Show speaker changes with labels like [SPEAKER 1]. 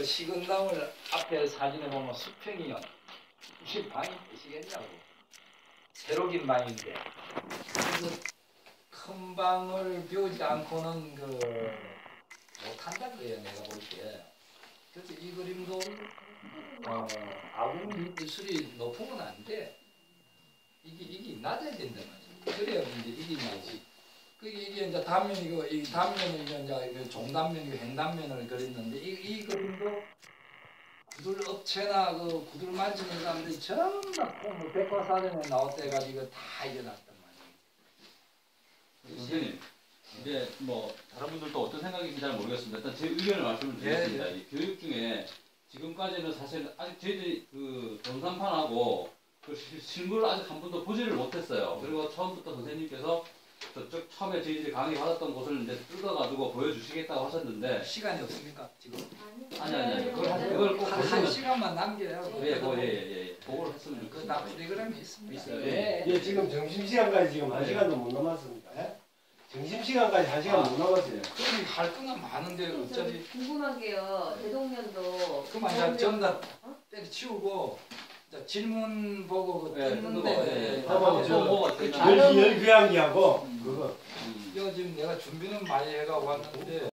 [SPEAKER 1] 식은담을 앞에 사진에 보면 수평이 무슨 방이 되시겠냐고. 새로 긴 방인데 그래서 큰 방을 비우지 않고는 못한다 그래요 내가 볼 때. 그래서 이 그림도 아궁 기술이 높은 건 아닌데 이게 낮아야 된단 말이지. 그래야 이제 이게 나지. 이게 이제 단면이고 이 단면을 이제 종단면이고 행단면을 그렸는데 이 그림도 구들 업체나 구들 만지는 사람들이 전부 다 백과사전에 나왔다 해가지고 다 일어났단 말이에요.
[SPEAKER 2] 선생님, 이제 뭐 다른 분들도 어떤 생각인지 잘 모르겠습니다. 일단 제 의견을 말씀을 드리겠습니다. 이 교육 중에 지금까지는 사실 아직 저희들이 전산판하고 실물을 아직 한 번도 보지를 못했어요. 그리고 처음부터 선생님께서 저쪽 처음에 저희들이 강의 받았던 곳을 이제 뜯어가지고 보여주시겠다고 하셨는데
[SPEAKER 1] 시간이 없습니까 지금?
[SPEAKER 2] 아니 그걸 꼭
[SPEAKER 1] 한
[SPEAKER 2] 보시면
[SPEAKER 1] 시간만 남겨요.
[SPEAKER 2] 보고를 했으면 좋겠습니다.
[SPEAKER 1] 그다 프로그램이 있습니다.
[SPEAKER 2] 있어요.
[SPEAKER 3] 예, 지금 점심시간까지 지금 1시간도 못 남았습니다. 예? 점심시간까지 1시간 못 남았어요.
[SPEAKER 1] 그럼 할 거는 많은데 어차피
[SPEAKER 4] 궁금한 게요. 대동년도
[SPEAKER 1] 그만 이제 전다 때려치우고 질문 보고 뜯는데
[SPEAKER 3] 하고
[SPEAKER 2] 보고
[SPEAKER 3] 열교양기하고 그거
[SPEAKER 1] 이거 지금 내가 준비는 많이 해가 왔는데